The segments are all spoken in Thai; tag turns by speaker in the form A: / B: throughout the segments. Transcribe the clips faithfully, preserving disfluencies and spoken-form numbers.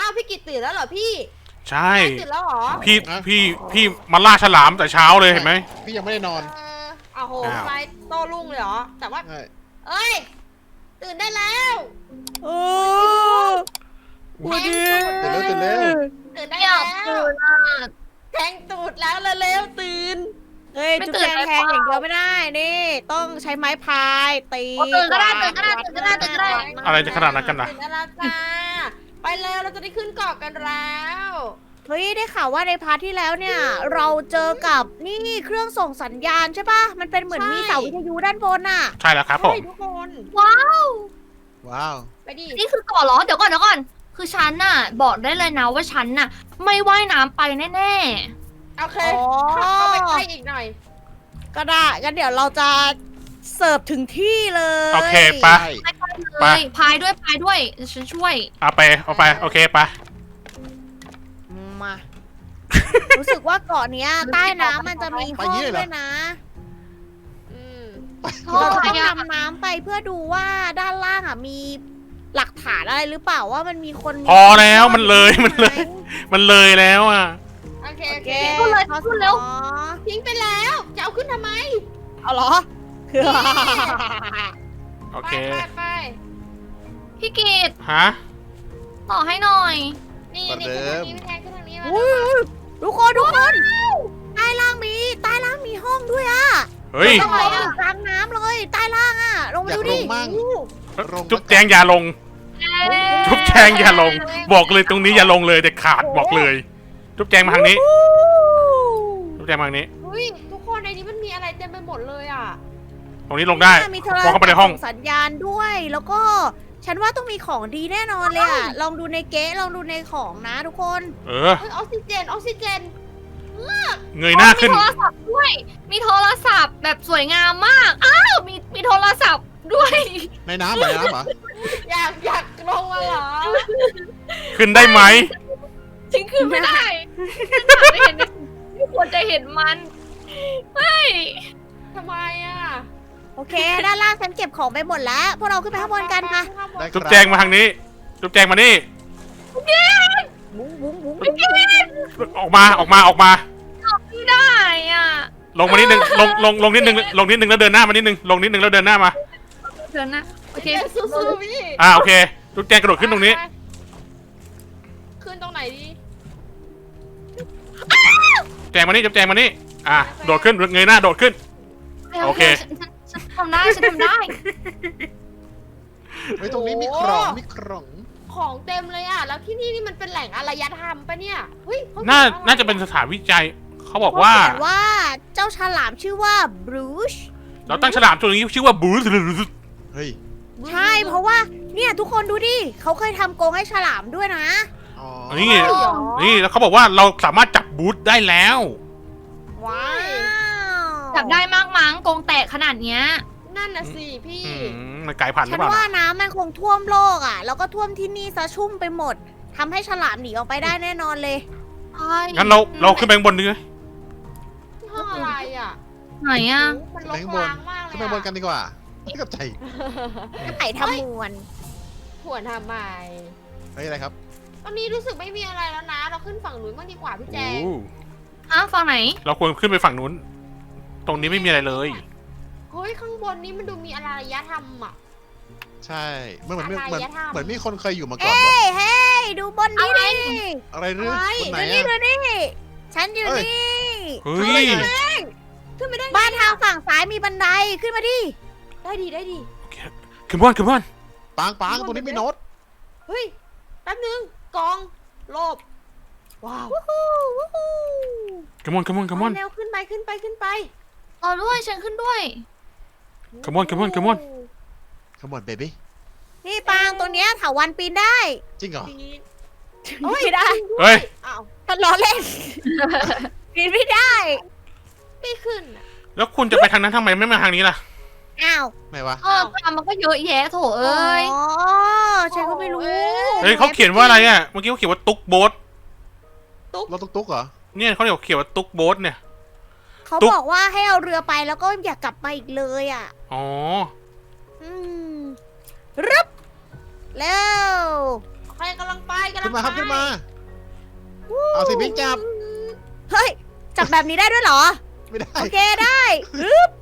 A: าวพี่กิตตื่นแล้วเหรอพี่
B: ใช่
A: ตื่นแล้วเหรอ
B: พี่พี่พี่มาล่าฉลามแต่เช้าเลยเห็นไหม
C: พี่ยังไม่ได้นอน
A: เออเอาโห
B: อ้าว
A: ทำไมโต้รุ่งเลยเหรอแต่ว่า
C: ใช่
A: เอ้ยตื่นได้แล้ว
D: โอ้วันนี้
C: ตื่นเร็วตื่นเร็ว
A: ตื่นได้
E: ไม่อ
A: แล้
E: ยาก
A: ว
E: ตื่นอ่ะ
A: แทงตูดแล้วเร็วๆตื่น
D: เฮ้ย
E: ไม่
D: จุด
E: ตื่น
D: แจง
E: เลย
D: แทง
E: เปล่า
D: อย่างเดียวไม่ได้นี่ต้องใช้ไม้พายตี
E: โอ้ตื่นก็ได้ตื่นก็ได้ตื่นก็ได้ตื่นก็ได้
B: อะไรจะขนาดนั้นกันนะ
A: ตื่นได้แล้วจ้าไปแล้วเราจะได้ขึ้นเกาะกันแล้ว
D: เฮ้ยได้ข่าวว่าในพาร์ทที่แล้วเนี่ย เราเจอกับนี่เครื่องส่งสัญญาณใช่ปะมันเป็นเหมือนมีเสาวิทยุด้านบนน่ะ
B: ใช่แล้วครับผม
A: ใช่ทุกคน
E: ว้าว
C: ว้าว
A: ไปดิ
E: นี่คือก่อนเหรอเดี๋ยวก่อนเดี๋ยวก่อน คือฉันน่ะ บอกได้เลยนะว่าฉันน่ะ ไม่ว่ายน้ำไปแน่
A: โอเค
D: อ๋อ
A: เข้าไปใกล้อีกหน่อย
D: ก็ได้งั้นเดี๋ยวเราจะเสิร์ฟถึงที่เลย
B: โอเคไป
C: ใช่
E: ๆไปไปเล
B: ไป
E: ยพายด้วยพายด้วยเดี๋ยวฉันช่วย
B: เอาไปเอาไปโอเคไป
D: มา รู้สึกว่าเกาะเนี้ยใต้น้ำมันจะมีห้องด้วยนะ
A: อืม
D: เราจะต้องดำน้ำไปเพื่อดูว่าด้านล่างอ่ะมีหลักฐานอะไรหรือเปล่าว่ามันมีคน
B: พอแล้วมันเลยมันเลย มันเลยแล้วอ่ะ
A: โอเค
D: โอ
A: โอ
D: เค
A: เค
E: พูดเลยพูดเร็ว
A: ทิ้งไปแล้วจะเอาขึ้นทำไม
D: เอาเหรอ
B: โอ
A: ไป
B: เค
A: ไปไป
E: พี่กีด
B: ฮะ
E: ต่อให้หน่อย
A: นี่นี่ขึ้นทางนี้พี่แทนขึ้นทางนี้มา
D: อุ้ยทุกคนทุกคนใต้ล่างมีใต้ล่างมีห้องด้วยอ่ะ
B: เฮ้ย
D: ต้องไปอยู่กลางน้ำเลยใต้ล่างอ่ะลงมา
C: อยาก
D: ดู
C: ล
D: ดิ
C: งมั่ง ลง
B: จุ๊บแจงอย่าลง จุ๊บแจงอย่าลง บอกเลยตรงนี้อย่าลงเลยเด็ดขาดบอกเลย จุ๊บแจงมาทางนี้ จุ๊บแจงมาทางนี้
A: เฮ้ยทุกคนในนี้มันมีอะไรเต็มไปหมดเลยอ่ะ
B: ตรงนี้ลงได้
D: มีโทร
B: มองเข้าไปในห้อง
D: ศัพท์ส่สัญญาณด้วย แล้วก็ฉันว่าต้องมีของดีแน่นอนเลยอ่ะลองดูในเก๊ะลองดูในของนะทุกคน
B: เออ
A: เฮ้ยออกซิเจนออกซิเจน
B: เงยหน้าขึ้น
E: มีโทรศัพท์ด้วย มีโทรศัพท์แบบสวยงามมาก อ้าว มีมีโทรศัพท์ด้วย
C: ในน้ำเหรอในน้ำเหรอ
A: อยากอยากลงมาเหรอ
B: ขึ้นได้ไหม
E: ฉันขึ้นไม่ได้ฉันอยากได้เห็นไม่ควรจะเห็นมันไม่
A: ทำไมอ่ะ
D: โอเค ด้านล่างฉันเก็บของไปหมดแล้ว พวกเราขึ้นไปข้างบนกันค่ะ
C: ได้ค
B: จุ๊บ
C: รับ
B: แจงมาทางนี้ จุ๊บแจงมานี่
D: บุ้งบุ้งบุ้ง
B: ออกมาออกมาออกมา
E: ไม่ได้อ่ะ
B: ลงมานิดนึงลงลงลงนิดนึงลงนิดนึงแล้วเดินหน้ามานิดนึงลงนิดนึงแล้วเดินหน้ามา
E: เดี๋ยวนะ โอเค
A: เดี๋ยวสู้ๆพี่
B: อ่าโอเค จุ๊บแจงกระโดดขึ้นตรงนี้
A: ขึ้นตรงไหนดี
B: แจงมานี่จุ๊บแจงมานี่ อ่ะโดดขึ้นเงยหน้าโดดขึ้น โอเค
E: ฉันฉันฉันทำได้ ฉันทำได้
C: เฮ้ยตรงนี้มีของมีของ
A: ของเต็มเลยอ่ะ แล้วที่นี่นี่มันเป็นแหล่งอารยธรรมปะเนี่ยเฮ้ยเข
B: น่า
A: ขียว่อไร
B: น่าจะเป็นสถานวิจัย เขาบอกว่า
D: เขียนว่าเจ้าฉลามชื่อว่าบรูช
B: เราตั้งฉลามตัวนี้ชื่อว่าบูส
C: เฮ้ย
D: ใช่ เพราะว่าเนี่ยทุกคนดูดิ เขาเคยทำกรงให้ฉลามด้วยนะ
C: อ๋อ
B: นี่
A: ใช่เหรอ
B: นี่แล้วเขาบอกว่าเราสามารถจับบูสได้แล้ว
D: ว้าว
E: จับได้มากมั้งกรงแตกขนาดเนี้ย
A: นั่นน่ะสิพี่
B: อืมมันกลายพันธุ์หรื
D: ฉั
B: อน เปล่า
D: ว่า
B: นะ
D: น้ำมันคงท่วมโลกอ่ะ แล้วก็ท่วมที่นี่ซะชุ่มไปหมดทำให้ฉลามหนีออกไปได้แน่นอนเลย
E: ใช่
B: งั้นเราเราขึ้นไปข้างบนดีไหม
A: ห้องอะไรอ่ะ
E: ไหนอ่ะ
A: โอ้มันรกร้างมากเลย
C: ขึ้นไปบนกันดีกว่าไม่กับใจ
D: ไข่ทำมวน
A: หวนทำไม
C: เฮ้ยอะไรครับ
A: ตอนนี้รู้สึกไม่มีอะไรแล้วนะ เราขึ้นฝั่งนู้นบ้างดีกว่าพี่แจง
B: โอ้
E: อ้าวฝั่งไหน
B: เราควรขึ้นไปฝั่งนู้น ตรงนี้ไม่มีอะไรเลย
A: เฮ้ยข้างบนนี้มันดูมีอารยธรรมอ่ะ
C: ใช่เหมือนเหมือนเหมือน
A: อารยธรรม
C: เหมือนมีคนเคยอยู่มาก่อน
D: เฮ้
C: วะ
D: ยเฮ้ยดูบนนี้ดิ
C: อะไรหรือ
A: อะไร
C: คนไหน
D: ดูนี่
C: อะ
D: ดูนี่ฉันอยู่
C: เอ้ย
D: นี่
B: เฮ้ย
A: ขึ้นไม่ได้ไง
D: บ้านทางฝั่งซ้ายมีบันไดขึ้นมาดิ
A: ได้ดีได้ดี
B: ขึ้นบอนขึ้นบอน
C: ปางปางตรงนี้มีโน้ต
A: เฮ้ยแป๊บนึงกองโลบว้าว
D: วู้ฮู้วู้ฮู้
B: ขึ้นบอนขึ้นบอนขึ้นบอน
A: เร็วขึ้นไปขึ้นไปขึ้นไป
E: ต่อด้วย ฉันขึ้นด้วย
B: Come on come on come on
C: ขมวดเบบี้
D: นี่ปางตัวเนี้ยถาวันปีนได้
C: จริงเหรอ
A: ปีน
D: ไม่ได้
B: เฮ้ย
A: อ้าว
D: มันล้อเล่น ปีนไม่ได้
A: ไม่ขึ้นอะ
B: แล้วคุณจะไปทางนั้นทำไมไม่มาทางนี้ล่ะ
D: อ้าว
C: ไหนวะ
E: เออทางมันก็เยอะแยะโถเอ้ย
D: อ๋อฉันก็ไม่รู้
B: เฮ้ยเขาเขียนว่าอะไรอ่ะ เมื่อกี้เขาเขียนว่าตุ๊กโบ๊ท
C: รถตุ๊กตุ๊กเหรอ
B: เนี่ยเขาเขียนว่าตุ๊กโบ๊ทเนี่ย
D: เขา
B: ตุ๊ก
D: บอกว่าให้เอาเรือไปแล้วก็อย่ากลับมาอีกเลยอ่ะ
B: อ๋อ
D: อืมรึบเร็ว
A: โอเคครกำลังไปกำลั
C: ขึ้
A: ง
C: นมาครับ
A: ไป
C: ขึ้นมา เอาสิพิงจับ
D: เฮ้ย จับแบบนี้ได้ด้วยเหรอ
C: ไม่ได้
D: โอเคได้ฮึบ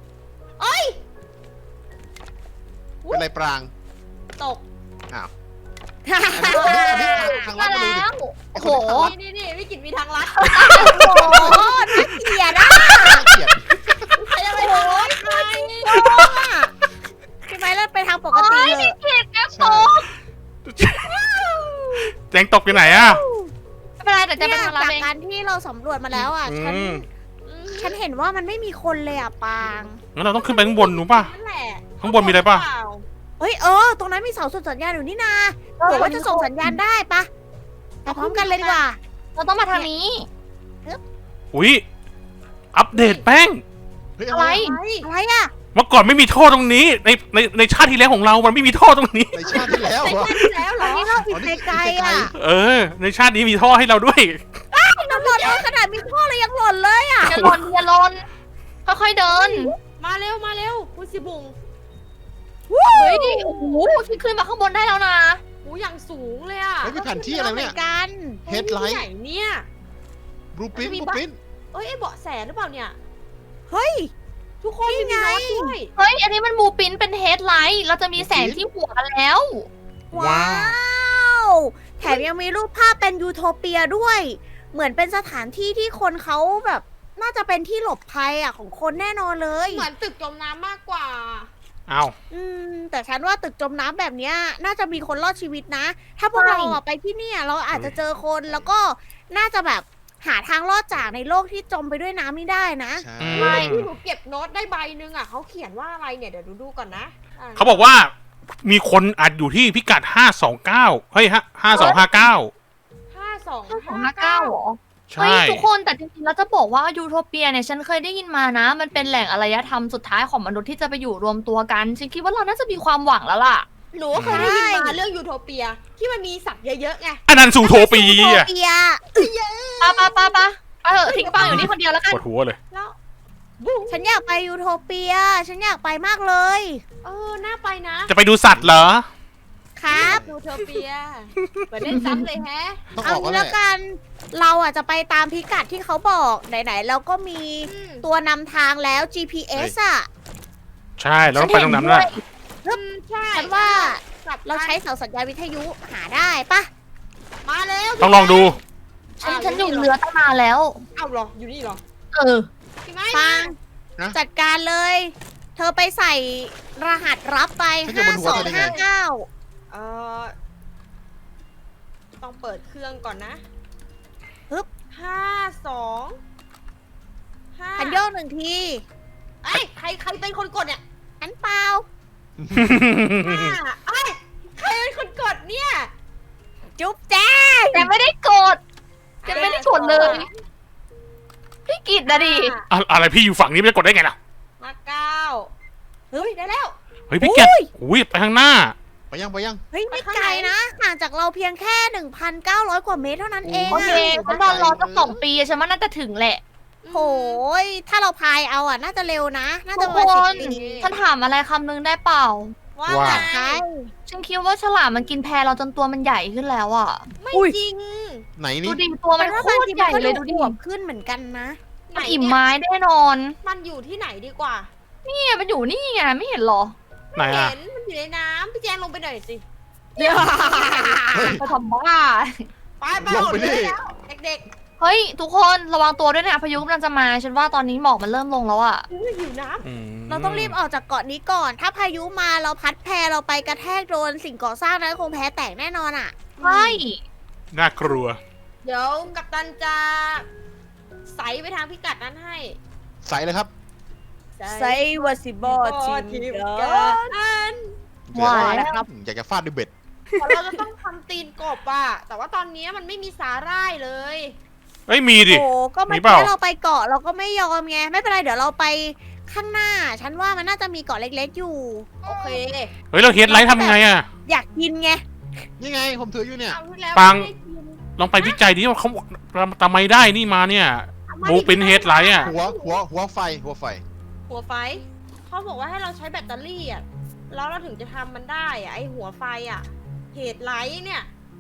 C: เป็นไรปราง
A: ตก
C: อ้าวอันนี้อันนี้ทางลั
E: มา
C: ดมาเลย
E: แล้
C: ดิ
E: ว
C: ไอ้
E: โอ้
C: ค
E: โห
C: นที่ทางลัด
A: นี่นี่นี่พี่กินมีทางลัด
D: โอ้โหน่าเกลียดอ่ะ
C: น่าเกลียด
A: ใครจะไปทางลัดใคร
D: โกงอ่ะใช่ไหมแล้วไปทางปกติเลย
E: เก็บแก้วโต
C: ใช่
B: แจงตกอยู่ไหนอะ
E: ไม่เป็นไรแต่จะ
D: เนี่
E: ไป
D: ย
E: ทางเรา
D: จาก
E: เอง
D: การที่เราสำรวจมาแล้วอ่ะ ฉัน
B: อืม
D: ฉันเห็นว่ามันไม่มีคนเลยอ่ะปาง
B: งั้นเราต้องขึ้นไปข้างบนหนูป่ะ
A: นั่นแหละ
B: ข้างบนมีอะไรป่ะ
D: เฮ้ยเออ ตรงนั้นมีเสาส่งสัญญาณอยู่นี่นาเผื่อว่าจะส่งสัญญาณได้ปะไปพร้อมกันเลยดีกว่า
E: เราต้องมาทางนี้
B: อุ้ยอัปเดตแป้ง
C: เฮ้ย
E: อะไร
D: อะไรอ่ะ
B: เมื่อก่อนไม่มีท่อตรงนี้ ในในในชาติที่แล้วของเรา มันไม่มีท่อตรงนี้
C: ในชาติที่แล้ว
A: ใช่
C: เหรอ
A: แล้วเหร
D: ตอ
A: อน
D: นี้เราอีกไกลๆอ่ะ
B: เออ ในชาตินี้มีท่อให้เราด้วย
D: น้ำหล่นเองขนาดมีท่อเลยยังหล่นเลยอ่ะ
E: อย่าหลนอย่าหลนค่อยๆเดิน
A: มาเร็วมาเร็วคุณสิบุง
E: เฮ้ย โอ้โหฉันขึ้นมาข้างบนได้แล้วนะ
A: หูอย่างสูงเลยอ่ะ
C: เฮ้ยมีแผนที่อะไร
D: เหมื
C: เนี่
D: อย นกัน
C: เฮดไล
A: ที่
C: ท์
A: ไหนเนี่ย
C: บลูปิ้น
A: จะมี
C: บลู
A: บ้า
C: ปิ้น
A: เอ้ยไอ้เบาะแสหรือเปล่าเนี่ย
D: เฮ้ย
A: ทุกคน
D: นี่
A: มี
D: ไง
A: น็อตด้วย
E: เฮ้ย อันนี้มันบูปินเป็นเฮดไลท์ เราจะมีแสงที่หัวแล้ว
D: ว้าว แถมยังมีรูปภาพเป็นยูโทเปียด้วย เหมือนเป็นสถานที่ที่คนเขาแบบ น่าจะเป็นที่หลบภัยอ่ะของคนแน่นอนเลย
A: เหมือนตึกจมน้ำมากกว่า
B: เอา
D: อืม แต่ฉันว่าตึกจมน้ำแบบเนี้ยน่าจะมีคนรอดชีวิตนะ ถ้าพวกเราอะไปที่เนี่ย เราอาจจะเจอคนแล้วก็น่าจะแบบหาทางรอดจากในโลกที่จมไปด้วยน้ำนี่ได้นะ
C: ใช่
B: อื
A: ใช่
B: ม
A: ที่หนูเก็บโน้ตได้ใบหนึงอ่ะเขาเขียนว่าอะไรเนี่ยเดี๋ยวดูดูก่อนนะอ่
B: เขาบอกว่ามีคนอัดอยู่ที่พิกัดห้าสองเก้าเฮ้ยฮะห้าสองห้าเก้า
A: ห้าสอง
E: สองห้าเก้าหรอ
B: ใช่
E: เฮ้ยทุกคนแต่จริงๆแล้วจะบอกว่ายูโทเปียเนี่ยฉันเคยได้ยินมานะ มันเป็นแหล่งอารยธรรมสุดท้ายของมนุษย์ที่จะไปอยู่รวมตัวกันฉันคิดว่าเราน่าจะมีความหวังแล้วล่ะ
A: หนูก็เคยได้ยิน
D: ใช่
A: มาเรื่องยูโทเปีย ที่มันมีสัตว์เยอะๆไง
B: อันนั้นสู่โทปี
D: โท
B: อะ
D: เปีย
E: ปะปะปะปะไปเถอะทิ้งปังอยู่นี่คนเดียวแล้วกัน
B: ปวดหัวเลย
A: แล้วบุ้ง
D: ฉันอยากไปยูโทเปีย ฉันอยากไปมากเลย
A: เออน่าไปนะ
B: จะไปดูสัตว์เหรอ
D: ครับ
A: ยูโทเปียเหมือนเล่นซ้ำเลยแฮะ
C: ต้อง
D: เอา
C: ออก
D: งี้
C: แล้ว
D: แล้ว
C: แหละ
D: กัน เราอ่ะจะไปตามพิกัดที่เขาบอกไหนๆเราก็มี
A: อืม
D: ตัวนำทางแล้ว จี พี เอส อ่ะ
B: ใช่เราต้องไปตรงนั้นนะ
A: อืมใช่
D: ฉันว่า
A: กลับ
D: เราใช้เสาสัญญาณวิทยุหาได้ปะ
A: มาแล้ว
B: ต้องลองดู
E: ฉันฉันอยู่เรือตั้งนานแล้ว
A: เอ้าเหรออยู่นี่เหรอ
E: เออ
A: พี่ไม้
D: ฟัง
C: นะ
D: จัดการเลย เธอไปใส่รหัสรับไป
C: ฉันอยู่
D: ห้า
C: บนหั
D: ส
C: ว
D: อง
C: เธอได้ไง
D: ห้าเก้า
A: เออต้องเปิดเครื่องก่อนนะ
D: ปึ๊บ
A: ห้าสองห้า
D: คันโยกหนึ่งที
A: เอ้ยใครใครเป็นคนกดเนี่ย
D: อันเปล่า
A: ห้าเอ้ยใครเป็นคนกดเนี่ย
D: จุ๊บแจ้ง
E: แต่ไม่ได้กดจะไม่ได้กดเลย พี่กิตนะดิ
A: ห้า
B: อะอะไรพี่อยู่ฝั่งนี้ไม่จะกดได้ไงล่ะ
A: ห้าเก้าเฮ้ยได้แล้ว
B: เฮ้ยพี่แกอุ้ยไปข้างหน้า
C: ไปยังไปยัง
D: เฮ้ย
A: ไป
D: ไม่
A: ข้าง
D: ไกล
A: ไหน
D: นะ ห่างจากเราเพียงแค่ หนึ่งพันเก้าร้อย กว่าเมตรเท่านั้นเอง
E: โอ
D: อะ
E: เคฉันนอนรอสักสองปีอะฉันว่าน่าจะถึงแหละ
D: โหยถ้าเราพายเอาอ่ะ น่าจะเร็วนะ น่า
E: ทุ
D: จะ
E: ก
D: ประ
E: ค
D: มาณ
E: น
D: สิบปี
E: ฉันถามอะไรคำนึงได้เปล่า
A: ว่า
B: ว่า
A: ไง
D: ใช่
E: ฉันคิดว่าฉลามมันกินแพเราจนตัวมันใหญ่ขึ้นแล้วอ่ะ
A: ไม่
D: อุ้ย
A: จริง
C: ไหน
E: ดู
C: นี่
E: ดิตัวมัน
D: ว่า
E: โค
D: บาง
E: ตร
D: ที
E: ให
D: มัน
E: ญ่
D: ก็
E: เลย
D: ดู
E: ดูดิ
D: อวบขึ้นเหมือนกันนะ
A: ไหน
E: มัน
A: เนี่ย
E: อิ่มไม้แน่นอน
A: มันอยู่ที่ไหนดีกว่า
E: นี่มันอยู่นี่ไงไม่เห็นเหรอ
B: ไหนอะ
A: เห็นมันอยู่ในน้ำพี่แจงลงไปหน่อยสิ
E: ไปทำบ้า
A: ไปไป
C: ลงไปดิ
A: แล้วเด็ก
E: เฮ้ย ทุกคนระวังตัวด้วยนะพายุกำลังจะมา ฉันว่าตอนนี้หมอกมันเริ่มลงแล้วอ่ะ
A: ๆอุ้ยหิวน้
B: อืม
D: เราต้องรีบออกจากเกาะนี้ก่อน ถ้าพายุมาเราพัดแพเราไปกระแทกโดนสิ่งก่อสร้างนั้นคงแพ้แตกแน่นอนอ่ะ
A: ำ
E: ใช่
B: น่ากลัว
A: เดี๋ยวกัปตันจะใสไปทางพิกัดนั้นให้
C: ใส่เลยครับ
D: ไซวาซิบอทีม
A: ทีม
D: เด
A: กัน
E: ว่า
C: เดี๋ยว
E: แล้ว
D: นะครับ
C: อยากจะฟาดด้วยเบ็ด
A: เราจะต้องทำตีนกบอะแต่ว่าตอนนี้มันไม่มีสาหร่ายเลย
B: เอ้ยมีดิ
D: โอ้ก็เมื่
B: มี
D: อ
B: เปล่า
D: กี้เราไปเกาะเราก็ไม่ยอมไง ไม่เป็นไรเดี๋ยวเราไปข้างหน้า ฉันว่ามันน่าจะมีเกาะเล็กๆอยู่
A: โอเค
B: เฮ้ยเราเฮดไลท์ทำยังไงอะ
D: อยากกินไง
C: นี่ไงผมถืออยู่เนี่ย
A: เอาที่แล้ว
B: ปัง
A: ไม่ได้กิน
B: ลองไปวิจัยดิว่าเขาทำไมได้นี่มาเนี่ย บูปินเฮดไลท์อะ
C: หัวหัวหัวไฟหัวไฟ
A: หัวไฟเขาบอกว่าให้เราใช้แบตเตอรี่อะแล้วเราถึงจะทำมันได้อะไอหัวไฟอะเหตุไลท์เนี่ย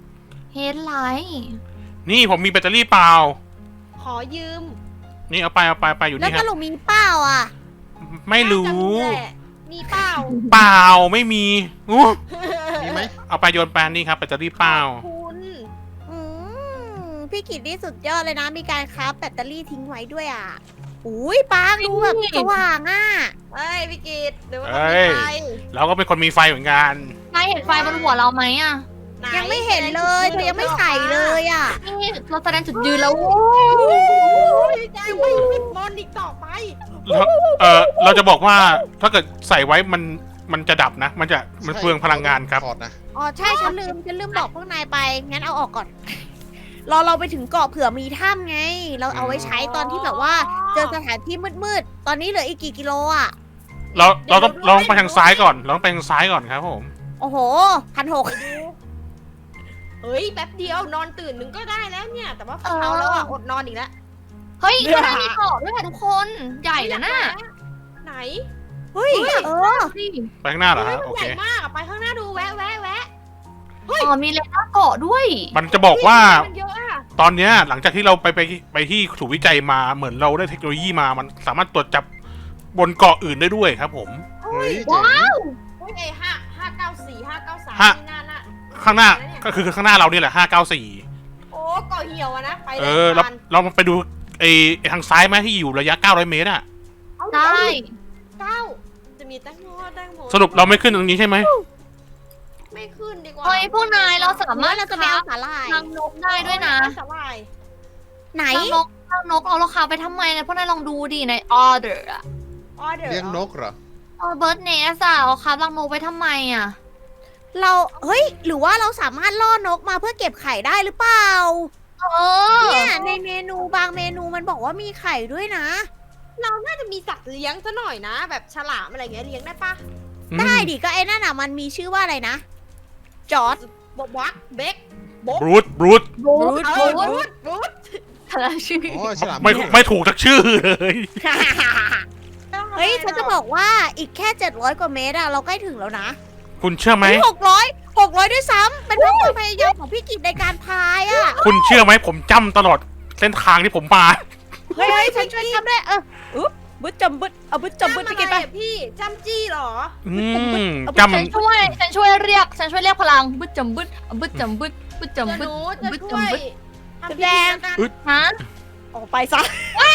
E: เฮดไลท์
B: นี่ผมมีแบตเตอรี่เปล่า
A: ขอยืม
B: นี่เอาไปเอาไปไปอยู่
D: แล้ว
B: นี่ค
D: ส
B: รับ
D: รุปมีเปล่าอ่ะ
B: ไม่รู้
A: น่าจะมีแหละมีเปล่า
B: เปล่าไม่มีอู้
C: มีไหม
B: เอาไปโยนแปนนี่ครับแบตเตอรี่เปล่า
A: คุณ
D: อืมพี่กิตนี่สุดยอดเลยนะ มีการคราฟแบตเตอรี่ทิ้งไว้ด้วยอ่ะอุ้ยปางดูแบบสว่างอ่ะ
A: เอ้ยพี่กิตเดี๋ยวมัน
B: เอ้
A: ต้องมี
B: ย
A: ไฟ
B: เราก็เป็นคนมีไฟเหมือนกัน
E: นายเห็นไฟบนหัวเราไหมอ่ะ
A: ไหน
D: ยังไม่เห็นเลยเธอยังไม่ใส่เลยอ่ะ
E: นี่เราแสดงจุดยืนแล้ว
A: โอ้ยแจ้งไม่ปิดมอนอีกต่อไป
B: แล้วเออเราจะบอกว่าถ้าเกิดใส่ไว้มันมันจะดับนะ มันจะมันเปลืองพลังงานครับ
C: ถอดนะ
D: อ๋อใช่ฉันลืมฉันลืมบอกพวกนายไป งั้นเอาออกก่อน รอเราไปถึงเกาะเผื่อมีถ้ำไง เราเอาไว้ใช้ตอนที่แบบว่า เจอสถานที่มืดๆ ตอนนี้เหลืออีกกี่กิโลอ่ะ
B: เราเราต้องเราต้องไปทางซ้ายก่อนเราต้องไปทางซ้ายก่อนครับผม
D: โอ้โหพันหก
A: ไปดูเฮ้ยแป๊บเดียวนอนตื่นหนึ่งก็ได้แล้วเนี่ย แต่ว่า
E: เออ
A: เช้าแล้วอ่ะอดนอนอีกแล้ว
E: เฮ้ยข้างในมีเกาะด้วยค่ะทุกคนใหญ่นะน่ะ
A: ไหน
D: เฮ้ย เออ
E: นี่
B: ไปข้างหน้าเหรอ
A: เฮ้ย
B: ฮะ
A: มัน
B: โอ
A: ให
B: เค
A: ญ่มากอะไปข้างหน้าดูแวะแวะแวะ
E: อ๋อมีเลน่าเกาะด้วย
B: มันจะบอกว่า
A: มันเยอะอะ
B: ตอนเนี้ยหลังจากที่เราไปไปไปที่ถูกวิจัยมาเหมือนเราได้เทคโนโลยีมามันสามารถตรวจจับบนเกาะอื่นได้ด้วยครับผม
C: เฮ้ย
E: ว้าว
A: โอ้ยไอ้ห้าห้าเก้าสี่ห้าเก้าสาม
B: ห้า
A: นี่น่าน่ะ
B: ข้างหน้าก็คือข้างหน้าเรานี่แหละห้าเก้าสี่
A: โอ้เกาะเหี่ยวอะนะไป
B: เอ
A: เลย
B: อเรา
A: ผ่าน
B: เรามาไปดูไอ้ไอ้ทางซ้ายไหมที่อยู่ระยะเก้าร้อยเมตรอะ
A: เอา
E: ได้
A: เก้าจะมีแตงโมแตงโม
B: สรุปเราไม่ขึ้นตรงนี้ใช่ไหม
A: ไม่ขึ้นดีกว่า
E: เฮ้ยพวกนายเราสาาร
D: สามมาร
E: ถ
D: ถเราจะไปเอาสาหร่าย
E: ทางนกได้ด้วยนะ
A: สาหร่าย
D: ไหน
E: ทางนกทางนกเอาราคาไปทำไมนะพวกนายลองดูดิในออเดอร์อะ
A: ออเดอร์
C: เลี้ยงนกเหรอ
E: เออเบิร์ดเนสอะเอาคาบรังนกไปทำไมอะ
D: เรา เฮ้ย หรือว่าเราสามารถล่อนกมาเพื่อเก็บไข่ได้หรือเปล่า
E: เออ
D: เนี่ยในเมนูบางเมนูมันบอกว่ามีไข่ด้วยนะ
A: เราน่าจะมีสัตว์เลี้ยงซะหน่อยนะ แบบฉลามอะไรเงี้ยเลี้ยงได้ปะ
D: ได้ดิก็ไอ้นั่นอ่ะมันมีชื่อว่าอะไรนะ จอร์ด
A: บวักเบก
B: บรูทบรูท
E: บูด
A: เอ
E: บู
A: อ
E: ด
A: บูดบูด
E: อะไรชื่อ
C: โอ้ยฉลาม
B: ไม่ไม่ถูกสักชื่อเลย
D: เฮ้ยฉันจะบอกว่าอีกแค่เจ็ดร้อยกว่าเมตรอะเราใกล้ถึงแล้วนะ
B: คุณเชื่อไหม
D: หกร้อยหกร้อยด้วยซ้ำเป็นเพราะความพยายามของพี่กิจในการพายอะ
B: คุณเชื่อไหมผมจำตลอดเส้นทางที่ผมมา
D: เฮ้ยเฮ้ยฉันช่วยทำได้เอออุ๊บบึ้ดจำบึ้ดเอาบึ้ดจำบึ้ดไปกินไป
A: จำอะไรอะพี่จำจี้เหรอ
B: อืมจ
E: ฉันช่วยฉันช่วยเรียกฉันช่วยเรียกพลังบึดจำบึดบึดจำบึดบึด
A: เดี๋ยว
E: จำบึ
A: ห
E: ด
A: นูจะ
E: บึด
A: ช่วย
E: จำบึด
A: ทำพิธีแล้วกัน
E: ฮะ
D: ออกไปซะ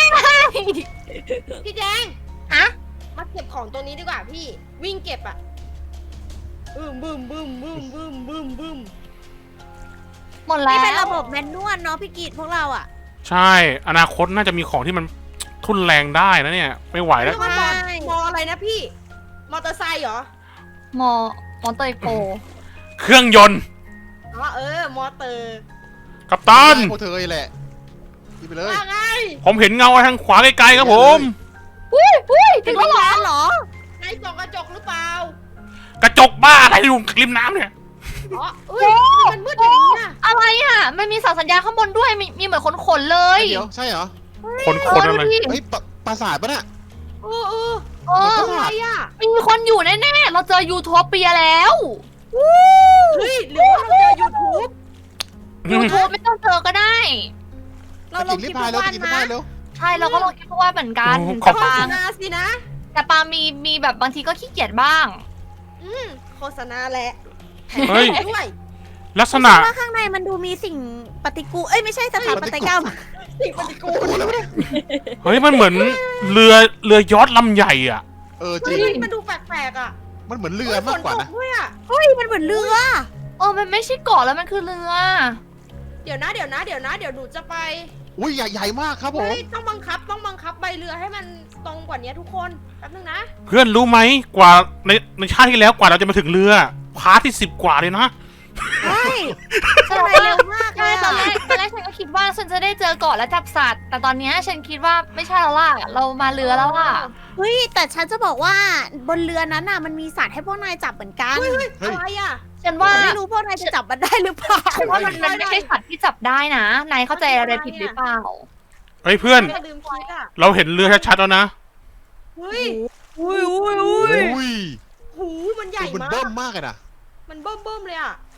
A: พี่แจง
E: ฮะ
A: มาเก็บของตรงนี้ดีกว่าพี่ วิ่งเก็บอะบึ้มบึ้มบึ้มบึ้มบึ้มบึ้มบึ้ม
E: หมดแล้
D: นี่
E: ว
D: เป็นระบบแมนนวลเนาะพี่กิจพวกเราอะ
B: ำใช่ อนาคตน่าจะมีของที่มันทุนแรงได้นะเนี่ย ไม่ไหวแล้ว
A: เรียกว่ามอมออะไรนะพี่ มอเตอร์ไซค์เหรอ
E: มอมอเตอร์โป
B: เครื่องยนต์
A: อ๋อเออ มอเตอร์
B: กัปตัน
C: พวกเธอแหละกินไปเลย
A: ว่าไง
B: ผมเห็นเงาทางขวาไกลๆครับผม
E: อุ้ยอุ้ย
D: เป็
E: ถึ
D: น
E: ง
D: วิ
E: แล้ว
D: ญ
E: เหรอ
D: ญาณเหรอ
A: ในส่องกระจกหรือเปล่า
B: กระจกบ้าอะไรอยู่ริมน้ำเนี่ย
A: อ๋อเอ้ยมันมืดอย่างนี้อะ
E: อะไรอ่ะมันมีเสาสัญญาณข้างบนด้วยมีมีเหมือนขนขนๆเลย
C: เดี๋ยวใช่เหรอ
B: คนคนอะไร
E: เออดูดิ
C: เฮ้ยปะปราสาทปะเนี่ย
A: เออเออ
E: เออ
A: อะไรอะ
E: มีคนอยู่แน่ๆเราเจอยูโทเปียแล้ว
A: เฮ้ยหรือว่าเราเจอยูทูบ
E: ยูทูบไม่ต้องเจอก็ได้
D: เราลงคลิป
C: พาย
D: ทุ
C: แล้ว
D: กวัน
C: กิน
D: นะ
C: พายแล้ว
E: ใช่เราก็ลองคิดว่าเหมือนกัน
B: โอ้
E: แต่
B: ขอบ
A: โฆ
E: ปา
A: ษณาสินะ
E: แต่ปามีมีแบบบางทีก็ขี้เกียจบ้าง
A: อืมโฆษณาแหละ
B: เฮ้ย
A: ด้วย
B: ลักษณะ
D: ว่าข้างในมันดูมีสิ่งปฏิกูลเอ้ยไม่ใช่สถานปฏิกรรม
A: สิ่งปฏิกูล
B: เฮ้ยมันเหมือนเรือเรือยอชต์ลำใหญ่อ่ะ
C: เออจริ
A: เฮ้
C: ง
A: ยมันดูแปลกๆอ่ะ
C: มันเหมือนเรือมากกว่านะ
A: ฝตด้วยอ่ะ
D: เฮ้ยมันเหมือนเรือ
E: เออมันไม่ใช่เกาะแล้วมันคือเรือ
A: เดี๋ยวนะเดี๋ยวนะเดี๋ยวนะเดี๋ยวหนูจะไป
C: อุ้ยใหญ่ใหญ่มากครับผม
A: เฮ้ยต้องบังคับต้องบังคับใบเรือให้มันตรงกว่านี้ทุกคนแป๊บนึงนะ
B: เพื่อนรู้ไหมกว่าในในชาติที่แล้วกว่าเราจะมาถึงเรือพาร์ทที่สิบกว่าเลยนะ
D: ใช่ข้างในเร็วมากเล
E: ใช่
D: ย
E: ตอนแร
D: อะ
E: กตอนแรกฉันก็คิดว่าฉันจะได้เจอเกาะและจับสัตว์ แต่ตอนเนี้ยฉันคิดว่าไม่ใช่แล้วล่ะ เรามาเรือแล้วล่ะ
D: เฮ้ยแต่ฉันจะบอกว่าบนเรือนั้นน่ะมันมีสัตว์ให้พวกนายจับเหมือนกัน
A: เฮ้ยเฮ้ย
C: เฮ้ย
A: อะไรอ่ะ
E: ฉัน
D: แต่
E: ว่า
D: ไม่รู้พวกนายจะจับมันได้หรือเปล่า
E: ฉันว่ามันมันไม่ใช่สัตว์ที่จับได้นะ นายเข้าใจอะไรผิดหรือเปล่า
B: เฮ้ยเพื่อน
A: ไม่ลืมคิดอ่ะ
B: เราเห็นเรือชัดๆแล้วนะ
A: เฮ้ย
D: อุ้ยอุ้ยอุ้ย
C: อุ้ย
A: หูมันใหญ่
C: มัน
A: มา
C: เบิ่
A: ก
C: มมากเลยนะ
A: มันเบิ่มเบิ่มๆเลยอ่ะ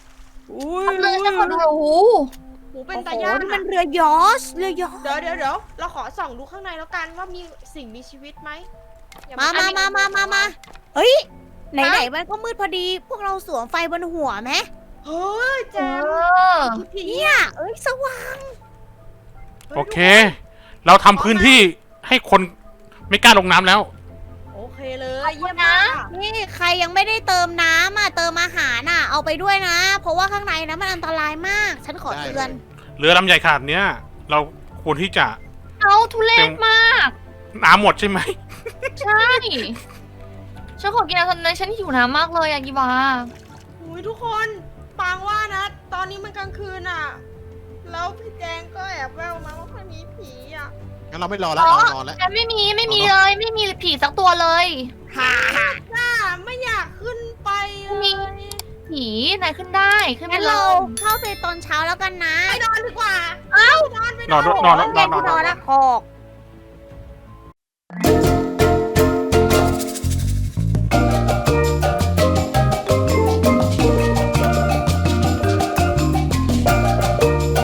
D: อุ้ย
E: ทำเลยฉันขอดูโอ้โห
A: หูเป็
D: เป็น น
A: ตา
D: ตา
A: ย่า
D: ย่าน นี่มันเรือยอชต์เรือยอชต์
A: เดี๋ยวเดี๋ยวเดี๋ยวเราขอส่องดูข้างในแล้วกันว่ามีสิ่งมีชีวิตไหมอย่
D: มามามามามามาเฮ้ย ไหนไหนๆมันก็มืดพอดี พวกเราสวมไฟบนหัวไหม
A: เฮ้ย
E: เอ
A: แจ๊ค
E: อ
A: พี่ผี
D: เนี่ย เอ้ยสว่าง
B: โอเค เราทำพื้นที่ให้คนไม่กล้าลงน้ำแล้ว
A: โอเคเลยเยี่ยม
E: นะ
A: มาก
D: นี่ใครยังไม่ได้เติมน้ำอ่ะเติมอาหารอ่ะเอาไปด้วยนะ เพราะว่าข้างในนะมันอันตรายมาก ฉันขอเตือน
B: เรือลำใหญ่ขนาดเนี้ย เราควรที่จะ
E: เอาทุเรศมาก
B: น้ำหมดใช่ไหม
E: ใช่ ฉันขอกินน้ำตอนนี้ฉันหิวน้ำมากเลยอะกีวา
A: อุ้ยทุกคนปางว่านะ ตอนนี้มันกลางคืนอ่ะ แล้วพี่แจงก็แอบแววมาว่ามันมีผีอ่ะ
C: งั้นเราไม่รอแล้วเรานอนแล้ว
E: ฉันไม่มีไม่มีเลยไม่มีผีสักตัวเลย
D: ฮ่า
A: น่าไม่อยากขึ้นไปเลย
E: มี ผีไหนขึ้นได้ขึ้นไป
D: งั้น
E: เล
D: เรา
E: ย
D: เข้าไปตอนเช้าแล้วกันนะ
A: ไปนอนดีกว่า เอ้านอนไป
B: นอน
A: นอน
B: นอนนอน
D: เย็นที่นอนละขอ